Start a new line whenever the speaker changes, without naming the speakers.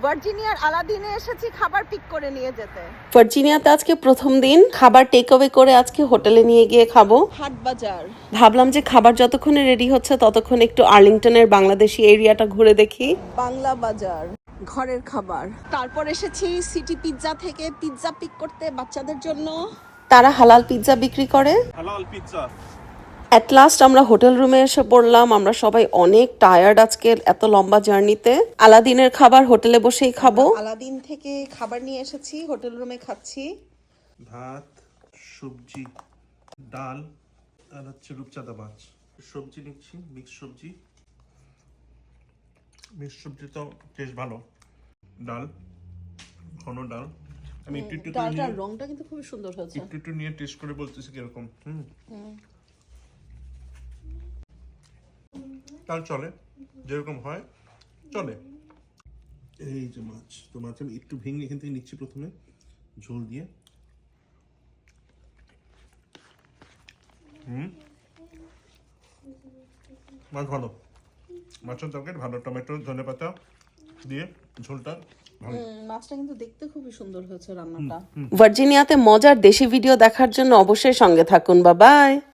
ভার্জিনিয়ার আলাদিনে এসেছি খাবার পিক করে নিয়ে যেতে।
ভার্জিনিয়াতে আজকে প্রথম দিন, খাবার টেক অ্যাওয়ে করে আজকে হোটেলে নিয়ে গিয়ে খাবো।
হাট বাজার
ভাবলাম যে খাবার যতক্ষণে রেডি হচ্ছে ততক্ষণ একটু আর্লিংটনের বাংলাদেশি এরিয়াটা ঘুরে দেখি।
বাংলা বাজার, ঘরের খাবার। তারপর এসেছি সিটি পিৎজা থেকে পিৎজা পিক করতে বাচ্চাদের জন্য।
তারা হালাল পিৎজা বিক্রি করে।
হালাল পিৎজা।
অ্যাট লাস্ট আমরা হোটেল রুমে এসে পড়লাম। আমরা সবাই অনেক টায়ার্ড আজকে এত লম্বা জার্নিতে। আলাদিনের খাবার হোটেলে বসেই খাবো।
আলাদিন থেকে খাবার নিয়ে এসেছি, হোটেল রুমে খাচ্ছি।
ভাত, সবজি, ডাল আর হচ্ছে রূপচাঁদা মাছ। সবজি নিচ্ছি, মিক্স সবজি। মিক্স সবজি তো টেস্ট ভালো। ডাল, ঘন ডাল। আমি একটু একটু করে
ডালটার
নিয়ে
রংটা কিন্তু খুব সুন্দর হয়েছে।
একটু একটু নিয়ে টেস্ট করে বলতেছি কিরকম। তার চলে, যেরকম হয় চলে। এই যে মাছ, তো মাছ আমি একটু ভেঙে এখান থেকে নিচ্ছি প্রথমে ঝোল দিয়ে। মাছ ভালো, মাছের তরকারি ভালো, টমেটো ধনেপাতা দিয়ে ঝোলটা ভালো।
মাছটা কিন্তু দেখতে খুবই সুন্দর হয়েছে রান্নাটা।
ভার্জিনিয়াতে মজার দেশি ভিডিও দেখার জন্য অবশ্যই সঙ্গে থাকুন। Bye by.